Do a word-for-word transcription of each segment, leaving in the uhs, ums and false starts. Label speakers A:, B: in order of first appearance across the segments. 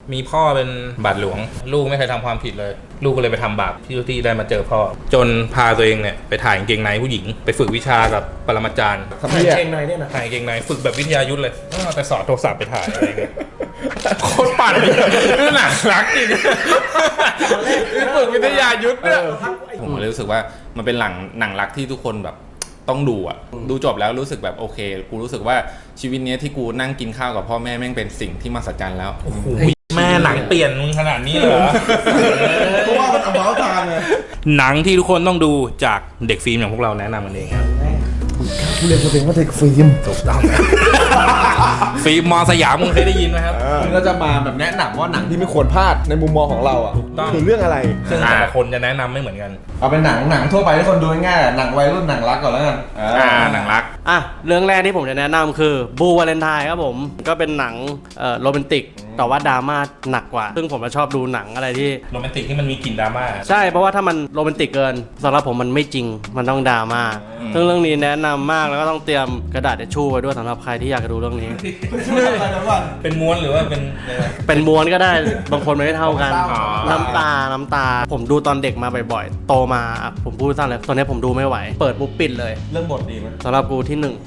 A: มีพ่อเป็นบาทหลวงลูกไม่เคยทำความผิดเลยลูกก็เลยไปทำบาปที่ที่ได้มาเจอพ่อจนพาตัวเองเนี่ยไปถ่ายกางเกงในผู้หญิงไปฝึกวิชากับปรมาจารย์
B: ถ่ายกางเกงในเนี่ยนะ
A: ถ่ายกางเกงในฝึกแบบวิทยายุทธเลยแต่สอดโทรศัพท์ไปถ่ายอะไรเงี้ยโคตรปั่นเลยนี่หนังรักจริงนี่ฝึกวิทยายุทธเนี่ยผมเลยรู้สึกว่ามันเป็นหนังหนังรักที่ทุกคนแบบต้องดูอ่ะดูจบแล้วรู้สึกแบบโอเคกูรู้สึกว่าชีวิตนี้ที่กูนั่งกินข้าวกับพ่อแม่แม่งเป็นสิ่งที่มหัศจรรย์แล้วแม่หนังเปลี่ยนมึงขนาดนี้เหรอ
B: เพราะว่ามันเอาเมาส์ทานไง
A: หนังที่ทุกคนต้องดูจากเด็กฟิล์มอย่างพวกเราแนะนำกันเองครับ
B: ผู้เรียนตัวเองว่าเด็กฟิล์มถูกต้อง
A: ฟิล์มมอสยามมึงเคยได้ยินไหมครับ
B: มันก็จะมาแบบแนะนำว่าหนังที่ไม่ควรพลาดในมุมมองของเราอ่ะคือเรื่องอะไร
A: ซึ่งแต่ละคนจะแนะนำไม่เหมือนกัน
B: เอาเป็นหนังหนังทั่วไปที่คนดูง่ายๆหนังวัยรุ่นหนังรักก่อนแล้วกัน
A: อ่าหนังรัก
C: อ่ะเรื่องแรกที่ผมจะแนะนำคือบูวาเลนไทน์ครับผมก็เป็นหนังเอ่อโรแมนติกแต่ว่าดราม่าหนักกว่าซึ่งผมชอบดูหนังอะไรที่
A: โรแมนติกที่มันมีกลิ่นดราม่า
C: ใช่เพราะว่าถ้ามันโรแมนติกเกินสำหรับผมมันไม่จริงมันต้องดราม่าซึ่งเรื่องนี้แนะนำมากแล้วก็ต้องเตรียมกระดาษทิชชู่ไว้ด้วยสำหรับใครที่อยากจะดูเรื่องนี้
A: เป็นม้วนหรือว่าเป็น
C: เป็นม้วนก็ได้บางคนไม่เท่ากันน้ำตาน้ำตาผมดูตอนเด็กมาบ่อยๆโตมาผมพูดสั้นเลยตอนนี้ผมดูไม่ไหวเปิดปุ๊บปิดเลย
B: เรื่องบทดีไหม
C: สำหรับกูที่หนึ่ง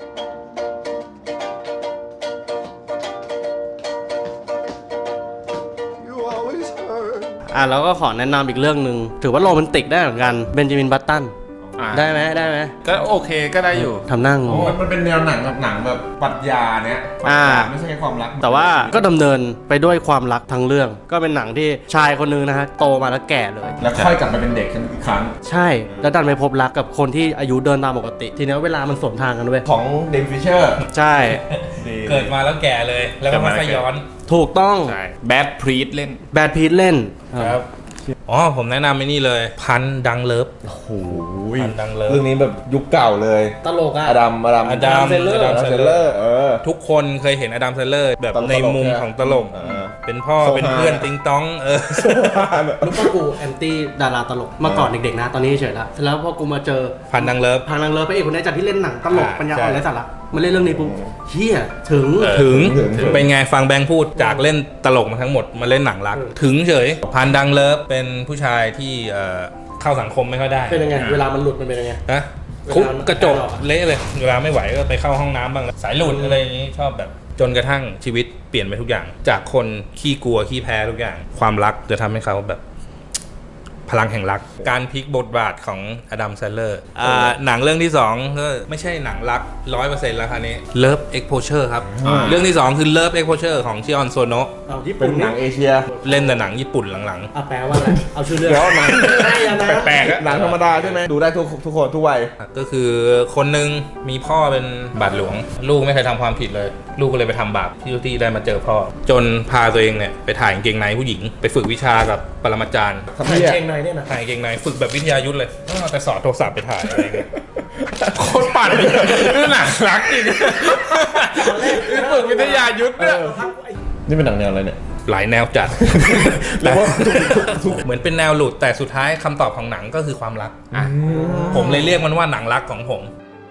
C: อ่ะแล้วก็ขอแนะนำอีกเรื่องหนึ่งถือว่าโรแมนติกได้เหมือนกันเบนจามินบัตตันได้ไหมได้ไหม
A: ก็โอเคก็ได้อยู่
C: ทำนั่ง
B: มันเป็นแนวหนังแบบหนังแบบปรัชญาเนี้ยไม่ใช่แค่ความรัก
C: แต่ว่าก็ดำเนินไปด้วยความรักทั้งเรื่องก็เป็นหนังที่ชายคนนึงนะฮะโตมาแล้วแก่เลย
B: แล้วค่อยกลับมาเป็นเด็กอีกครั้ง
C: ใช่แล้วดันไปพบรักกับคนที่อายุเดินตามปกติทีนี้เวลามันสวนทางกันด้วย
B: ของเดนฟิชเชอร์
C: ใช่
A: เกิดมาแล้วแก่เลยแล้วก็มาย้อน
C: ถูกต้อง
A: แบทพีทเล่น
C: แบทพีทเล่น
A: ครับอ๋อผมแนะนำไอ้นี่เลยพันดังเลิฟ
B: โอ้โห
A: พันดังเลิฟ
B: เรื่องนี้แบบยุคเก่าเลย
C: ตลกอะ
B: อดัมอดัม
A: อดัมเซ
B: เลอร์เออ
A: ทุกคนเคยเห็นอดัมเซเลอร์แบบในมุมของตลกเป็นพ่อเป็นเพื่อนติ๊งต้องเออ
C: รู้ป่ะกูแอนตี้ดาราตลกเมื่อก่อนเด็กๆนะตอนนี้เฉยละแล้วพอกูมาเจอ
A: พันดังเลิฟ
C: พันดังเลิฟพระเอกคนนี้จากที่เล่นหนังตลกปัญญาอ่อนไร้สาระมาเล่นเรื่องนี้ปุ๊บเฮียถึง
A: ถึงเป็นไงฟังแบงค์พูดจากเล่นตลกมาทั้งหมดมาเล่นหนังรักถึงเฉยพันดังเลิฟเป็นผู้ชายที่เข้าสังคมไม่ค่อยได้
C: เป็นยังไงเวลามันหลุดมันเป็นยังไง
A: นะคุกกระจกเละเลยเวลาไม่ไหวก็ไปเข้าห้องน้ำบ้างสายหลุดอะไรอย่างนี้ชอบแบบจนกระทั่งชีวิตเปลี่ยนไปทุกอย่างจากคนขี้กลัวขี้แพ้ทุกอย่างความรักจะทำให้เขาแบบพลังแห่งรักการพลิกบทบาทของอดัมแซนเลอร์หนังเรื่องที่สองก็ไม่ใช่หนังรัก ร้อยเปอร์เซ็นต์ แล้วคราวนี้ Love Exposure ครับเรื่องที่สองคือ Love Exposure ของชิออนโซโนะ
B: เป็นหนังเอเชีย
A: เล่นแต่หนังญี่ปุ่นหลัง
C: ๆอ่ะแปลว่าอะไรเอาชื่อเรื่อง
B: แล้วหนัง
A: แปลก
B: ๆหนังธรรมดาใช่ไหมดูได้ทุกทุกคนทุกวัย
A: ก็คือคนนึงมีพ่อเป็นบาทหลวงลูกไม่เคยทำความผิดเลยลูกก็เลยไปทำบาปที่ที่ได้มาเจอพ่อจนพาตัวเองเนี่ยไปถ่ายกางเกงในผู้หญิงไปฝึกวิชากับปรมาจารย์
C: ถ่ายกางเกงในเนี่ยนะ
A: ถ่ายกางเกงในฝึกแบบวิทยายุทธเลยแต่สอดโทรศัพท์ไปถ่ายอะไรเงี้ยโคตรปั่นเลยนี่หนังรักจริงนี่ฝึกวิทยายุทธเนี่ย
B: นี่เป็นหนังแนวอะไรเนี่ย
A: หลายแนวจัดเหมือนเป็นแนวหลุดแต่สุดท้ายคำตอบของหนังก็คือความรักผมเลยเรียกมันว่าหนังรักของผม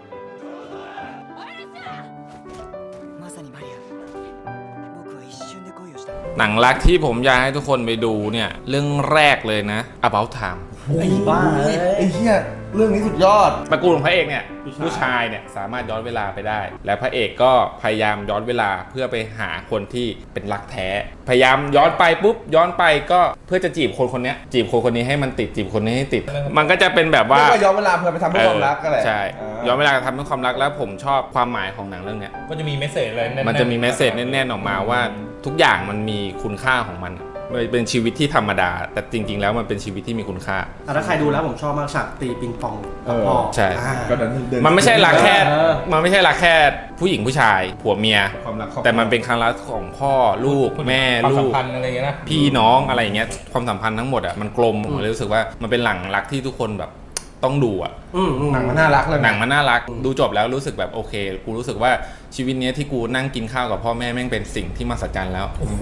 A: หนังรักที่ผมอยากให้ทุกคนไปดูเนี่ยเรื่องแรกเลยนะ About Time
C: ไอ้บ้า
B: ไอ้เหี้ยเรื่องนี้สุดยอด
A: ตระกูลของพระเอกเนี่ยผู้ชายเนี่ยสามารถย้อนเวลาไปได้และพระเอกก็พยายามย้อนเวลาเพื่อไปหาคนที่เป็นรักแท้พยายามย้อนไปปุ๊บย้อนไปก็เพื่อจะจีบคนคนนี้จีบคนคนนี้ให้มันติดจีบคนนี้ให้ติดมันก็จะเป็นแบบว่า
B: ย้อนเวลาเพื่อไปทำเพื่อความรักก็แหละ
A: ใช่ย้อนเวลาทำเพื่อความรักแล้วผมชอบความหมายของหนังเรื่องนี้ก็จะมีเมสเสจอะไรมันจะมีเมสเสจแน่นๆออกมาว่าทุกอย่างมันมีคุณค่าของมันเป็นชีวิตที่ธรรมดาแต่จริงๆแล้วมันเป็นชีวิตที่มีคุณค่า
C: ถ้าใครดูแล้วผมชอบมากฉากตีปิงปองพ่อ
A: ใช่มันไม่ใช่รักแค่มันไม่ใช่รักแค่ผู้หญิงผู้ชายผัวเมียแต่มันเป็นความรักของพ่อลูกแม่ลูกพี่น้องอะไรอย่างเงี้ยความสัมพันธ์ทั้งหมดอ่ะมันกลมผมเลยรู้สึกว่ามันเป็นหนังรักที่ทุกคนแบบต้องดูอ่ะ
B: หนังมันน่ารักเลย
A: หนังมันน่ารักดูจบแล้วรู้สึกแบบโอเคกูรู้สึกว่าชีวิตนี้ที่กูนั่งกินข้าวกับพ่อแม่แม่งเป็นสิ่งที่มหัศจรรย์แล้วแ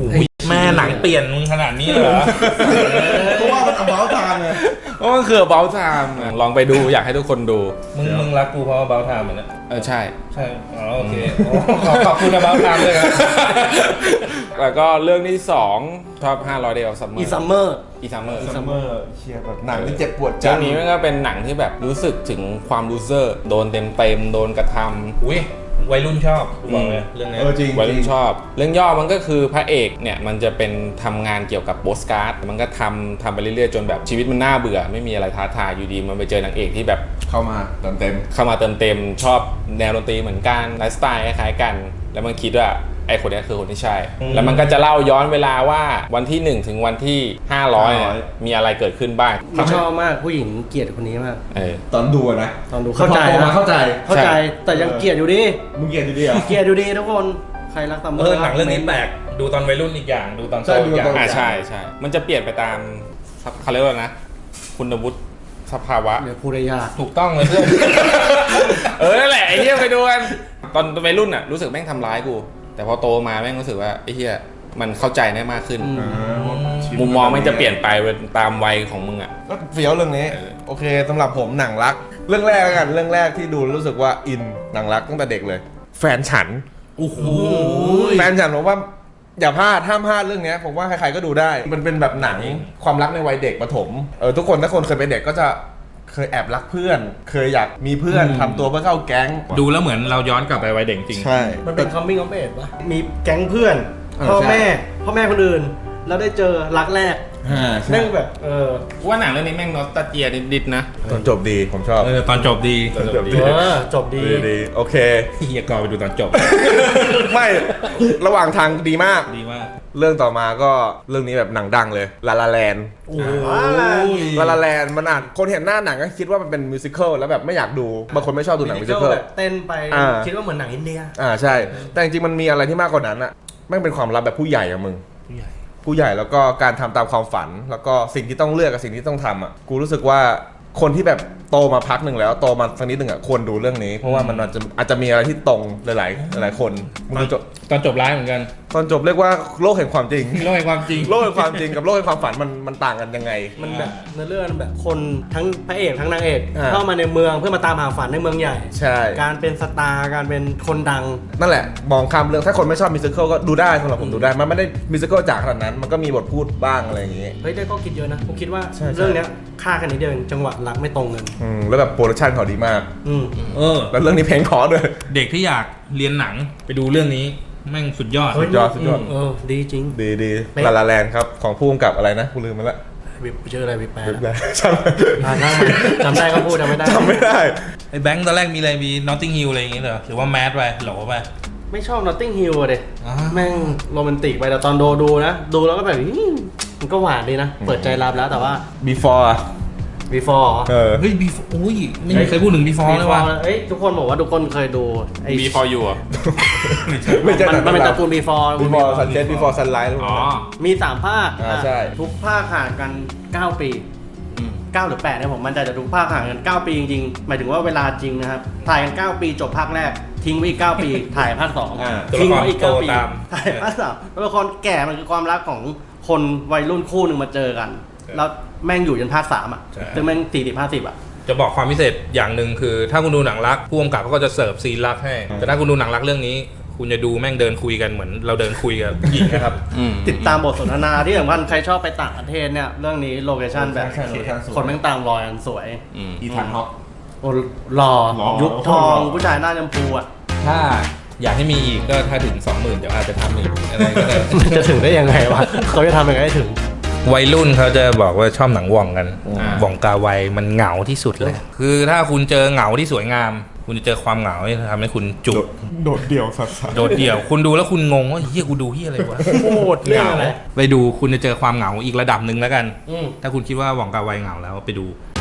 A: แม่หนังเปลี่ยนมึงขนาดนี้เหรอ
B: เพราะว่ามันเอาเบาทางไง
D: เพราะมันคือเบลไทม์ลองไปดูอยากให้ทุกคนดู
A: มึงมึงรักกูเพราะว่าเบลทามเหมือนกัน
D: เออใช่
A: ใช่อ๋อโอเคขอขอบคุณนะเบลทามด้วยครับ
D: แล้วก็เรื่องที่สองชอบห้าร้อย Days of Summer
C: อีซัมเมอร์
D: อีซัมเมอร์
B: ซัมเมอร์เชียร์แบบหนังที่เจ็บปวด
D: เรื่องนี้มันก็เป็นหนังที่แบบรู้สึกถึงความลูเซอร์โดนเต็มเต็มๆโดนกระทำ
A: อุ้ยวัยรุ่นชอบกูบอกเลยเรื่องนี้
B: เออจริง
D: วัยรุ่นชอบ เรื่องย่อมันก็คือพระเอกเนี่ยมันจะเป็นทำงานเกี่ยวกับโปสการ์ดมันก็ทำทำไปเรื่อยๆจนแบบชีวิตมันน่าเบื่อไม่มีอะไรท้าทายอยู่ดีมันไปเจอนางเอกที่แบบ
B: เข้ามาเต็มเต็ม
D: เข้ามาเติมเต็มชอบแนวดนตรีเหมือนกันไลฟ์สไตล์คล้ายๆกัน แล้วมันคิดว่าไอ้คนนี้คือคนที่ใช่ แล้วมันก็จะเล่าย้อนเวลาว่าวันที่หนึ่งถึงวันที่ห้าร้อยเนี่ยมีอะไรเกิดขึ้นบ้าง
C: ผมชอบมากผู้หญิงเกลียดคนนี้มาก
D: เออ
B: ตอนดูอะนะ
C: ตอนดูเข้าใจ
B: พอโตมา
C: นะ
B: เข้าใจ
C: เข้าใจแต่ยังเกลียดอยู่ดี
B: มึงเกลียดดีๆเหรอ
C: เกลียดอยู่ดีทุกคนใครรักซัมเมอ
A: เอ
C: ร์
A: อหนังเรื่องนี้แปลกดูตอนวัยรุ่นอีกอย่างดูตอนโตอีกอย่าง
D: อ่าใช่ใช่มันจะเปลี่ยนไปตามเขาเรียกว่านะคุณวุฒิสภาวะ
C: เดี๋ยวพูดได้ยาก
A: ถูกต้องเลยเพื่อน
D: เออนั่นแหละไอ้เหี้ยไปดูกันตอนวัยรุ่นอ่ะรู้สึกแม่งทำร้ายกู แต่พอโตมาแม่งรู้สึกว่าไอ้เหี้ยมันเข้าใจได้มากขึ้น
C: อืม
D: มุมมองแม่งจะเปลี่ยนไปตามวัยของมึงอ่ะ
B: ก็เฟี้ยวเรื่องนี้
D: เออ
B: โอเคสำหรับผมหนังรัก เรื่องแรกแล้วกันเรื่องแรกที่ดูรู้สึกว่าอินหนังรักตั้งแต่เด็กเลย แฟนฉัน
A: โอ้โห
B: แฟนฉันผมว่าอย่าพลาดห้ามพลาดเรื่องนี้ผมว่าใครๆก็ดูได้ มันเป็นแบบหนังความรักในวัยเด็กประถมเออทุกคนถ้าคนเคยเป็นเด็กก็จะเคยแอบรักเพื่อน เคยอยากมีเพื่อนทำตัวเพื่อเข้าแก๊ง
A: ดูแล้วเหมือนเราย้อนกลับไปวัยเด็กจริง
B: ใช่
C: มันเป็น coming of age ปะมีแก๊งเพื่อน
B: เออ
C: พ่อ
B: ใช่
C: แม่พ่อแม่คนอื่น แล้วได้เจอรักแรก
B: อ่าใช่
C: แม่งแบบเออ
D: กูว่าหนังเรื่องนี้แม่งนอสตาเจียนิดๆนะ
B: ตอนจบดีผมชอบ
A: เออตอนจบดี
B: ตอนจบดี
C: เออจบดี
B: ดีดีโอเค
A: เฮียกอไปดูตอนจบ
B: ไม่ระหว่างทางดีมาก
A: ดีมาก
B: เรื่องต่อมาก็เรื่องนี้แบบหนังดังเลยลาลาแลน
C: โอ้โห
B: ลาลาแลนมันอ่านคนเห็นหน้าหนังก็คิดว่ามันเป็นมิวสิควลแล้วแบบไม่อยากดูบางคนไม่ชอบดูหนังมิวสิควล
C: แบบเต้นไป
B: อ่า
C: คิดว่าเหมือนหนังอินเดีย
B: อ่าใช่ แต่จริงๆมันมีอะไรที่มากกว่านั้นอะแม่งเป็นความลับแบบผู้ใหญ่อะมึง
A: ผู้ใหญ่
B: ผู้ใหญ่แล้วก็การทำตามความฝัน แล้วก็สิ่งที่ต้องเลือกกับสิ่งที่ต้องทำอะกูรู้สึกว่าคนที่แบบโตมาพักหนึ่งแล้วโตมาสักนิดหนึ่งอะควรดูเรื่องนี้ เพราะว่ามันอาจจะอาจจะมีอะไรที่ตรงหลายๆหลายๆคนมึงดูจบ
A: ตอนจบร้ายเหมือนกัน
B: ตอนจบเรียกว่าโลกแห่งความจริง
A: โลกแห่งความจริง
B: โลกแห่งความจริงกับโลกแห่งความฝันมันมันต่างกันยังไง
C: มันแบบในเรื่องแบบคนทั้งพระเอกทั้งนางเอก
B: อ่า
C: เข้ามาในเมืองเพื่อมาตามหาฝันในเมืองใหญ่
B: ใช่
C: การเป็นสตาร์การเป็นคนดัง
B: นั่นแหละมองข้ามเรื่องถ้าคนไม่ชอบมิวสิควลก็ดูได้สำหรับผมดูได้มันไม่ได้มิวสิควลจ๋าขนาดนั้น มันก็มีบทพูดบ้างอะไรอย่างงี้
C: เฮ้ยได้ก็คิดเยอะนะผมคิดว่า
B: ใช่ใช่
C: เรื่องเนี้ยค่ากันนิดเดียวเองจังหวะรักไม่ตรงกัน
B: อืมแล้วแบบโปรดักชันเขาดีมาก
C: อืม
A: เออ
B: แล้วเรื่องนี้เพลงขอด้วย
A: เด็กที่อยากเรียนหนังไปดูเรื่องนี้แม่งสุดยอด
B: สุดยอดสุดยอด
C: เออดีจริง
B: ดีดี
C: เป๊ะ
B: ลาลาแลนครับ ของผู้กำกับอะไรนะกูลืมไปละ
C: วิปชื่ออะไรวิปแปล
B: ลืมได้จำ
C: อ่าช่างมันจำได้ก็พูดจำไม่ได้
B: จำไม่ได้
A: ไอ้แบงค์ตอนแรกมีอะไรมี Notting Hill อะไรอย่างงี้เหรอหรือว่าแมสไปโหลไป
C: ไม่ชอบ Notting Hill อะเด็
A: อ่า
C: แม่งโรแมนติกไปแต่ตอนดูดูนะ ดูแล้วก็แบบอื้อมันก็หวานดีนะ เปิดใจรับแล้วแต่ว่า
B: before อะ
C: before เหรอ
B: เออ
A: เฮ้ย before อุ้ยไม่มีใครพูดถึง before เลยว่ะ
C: เอ้ยทุกคนบอกว่าทุกคนเคยดูไอ้
D: มี for you อ่ะ
B: ไม่ใช่
C: มันมันเป็นตระกูล before
B: before sunset before sunrise
D: อ๋อ
C: มีสามภาค
B: อ่าใช่
C: ทุกภาคห่างกันเก้าปีเก้าหรือแปดเนี่ยผมมันใจจะทุกภาคห่างกันเก้าปีจริงๆหมายถึงว่าเวลาจริงนะครับถ่ายกันเก้าปีจบภาคแรก ทิ้งไว้อีกเก้าปี ถ่ายภาคสอง
B: อ่า
C: ทิ้งไว้อีกเก้าปี
A: ตัวละครโตตาม
C: ถ่ายภาคสามตัวละครแก่มันคือความรักของคนวัยรุ่นคู่หนึ่งมาเจอกัน แล้วแม่งอยู่จนภาคสามอ่ะ
A: ใช่
C: ซึ่งแม่งสี่สิบห้าสิบอ่ะ
A: จะบอกความพิเศษอย่างหนึ่งคือ ถ้าคุณดูหนังรักผู้กำกับเขาก็จะเสิร์ฟซีนรักให้ แต่ถ้าคุณดูหนังรักเรื่องนี้ คุณจะดูแม่งเดินคุยกันเหมือนเราเดินคุยกับหญิงนะครับ
D: อืม
C: ติดตามบทสนทนาที่สำคัญใครชอบไปต่างประเทศเนี่ยเรื่องนี้โลเคชั่นแบบ
B: ใช่ location สวย
C: คนแม่งตามรอยกันสวย
D: อืม
B: อีธานฮอก
C: โอ้หล่อ
B: หล่อ
C: ยุคทอง
B: หล่อ
C: ผู้ชายหน้าชมพูอ่ะ
A: ถ้าอยากให้มีอีกก็ถ้าถึง สองหมื่น เดี๋ยวอาจจะทำอีกอะไรก็ได้
C: มันจะถึงได้ยังไงวะ เขาจะทำยังไงให้ถึง
A: วัยรุ่นเขาจะบอกว่าชอบหนังว่องกัน
D: อ่า
A: ว่องกาไวมันเหงาที่สุดเลย คือถ้าคุณเจอเหงาที่สวยงาม คุณจะเจอความเหงาที่ทำให้คุณจุก
B: โดดเดี่ยวสัส
A: โดดเดี่ยว คุณดูแล้วคุณงงว่าเฮียกูดูเฮียอะไรวะ
C: โคตรเหงา
A: ไปดูคุณจะเจอความเหงาอีกระดับหนึ่งแล้วกัน
C: อืม
A: ถ้าคุณคิดว่าว่องกาไวเหงาแล้วไปดู